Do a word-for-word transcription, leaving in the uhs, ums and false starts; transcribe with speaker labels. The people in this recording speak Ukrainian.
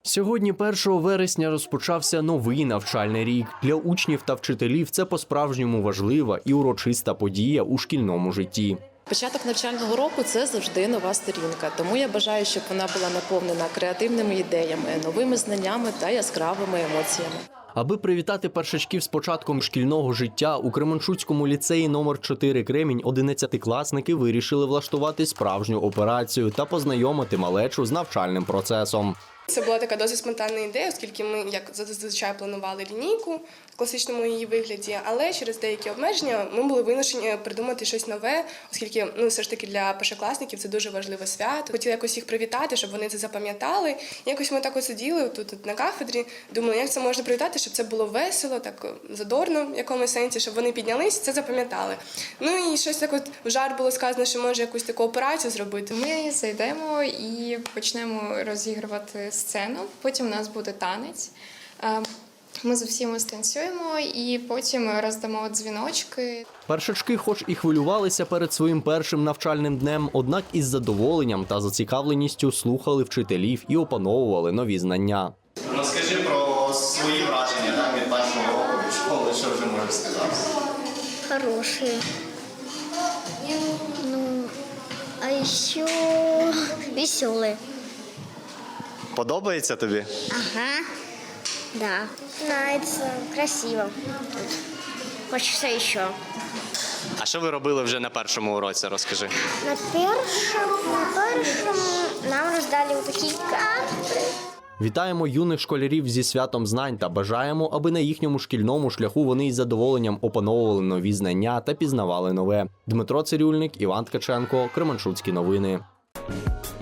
Speaker 1: Сьогодні, першого вересня, розпочався новий навчальний рік. Для учнів та вчителів це по-справжньому важлива і урочиста подія у шкільному житті.
Speaker 2: Початок навчального року – це завжди нова сторінка, тому я бажаю, щоб вона була наповнена креативними ідеями, новими знаннями та яскравими емоціями.
Speaker 1: Аби привітати першачків з початком шкільного життя, у Кременчуцькому ліцеї номер чотири «Кремінь» одинадцятикласники вирішили влаштувати справжню операцію та познайомити малечу з навчальним процесом.
Speaker 3: Це була така досить спонтанна ідея, оскільки ми, як зазвичай, планували лінійку в класичному її вигляді, але через деякі обмеження ми були вимушені придумати щось нове, оскільки ну, все ж таки для першокласників це дуже важливе свято. Хотіли якось їх привітати, щоб вони це запам'ятали. Якось ми так от сиділи тут, тут на кафедрі, думали, як це можна привітати, щоб це було весело, так задорно в якомусь сенсі, щоб вони піднялись, це запам'ятали. Ну і щось так от в жарт було сказано, що може якусь таку операцію зробити.
Speaker 4: Ми зайдемо і почнемо розігрувати сцену, потім у нас буде танець. Ми з усіма станцюємо і потім роздамо дзвіночки.
Speaker 1: Першачки хоч і хвилювалися перед своїм першим навчальним днем, однак із задоволенням та зацікавленістю слухали вчителів і опановували нові знання.
Speaker 5: Розкажи про свої враження так, від першого року до школи, що вже можеш сказати?
Speaker 6: Хорошие. Ну, а еще веселые.
Speaker 5: Подобається тобі?
Speaker 6: Ага. Да. Нравится, красиво. Тут. Хочется еще.
Speaker 5: А що ви робили вже на першому уроці, розкажи?
Speaker 6: На першем, на першем нам роздали вот такие карты.
Speaker 1: Вітаємо юних школярів зі святом знань та бажаємо, аби на їхньому шкільному шляху вони із задоволенням опановували нові знання та пізнавали нове. Дмитро Цирюльник, Іван Ткаченко, Кременчуцькі новини.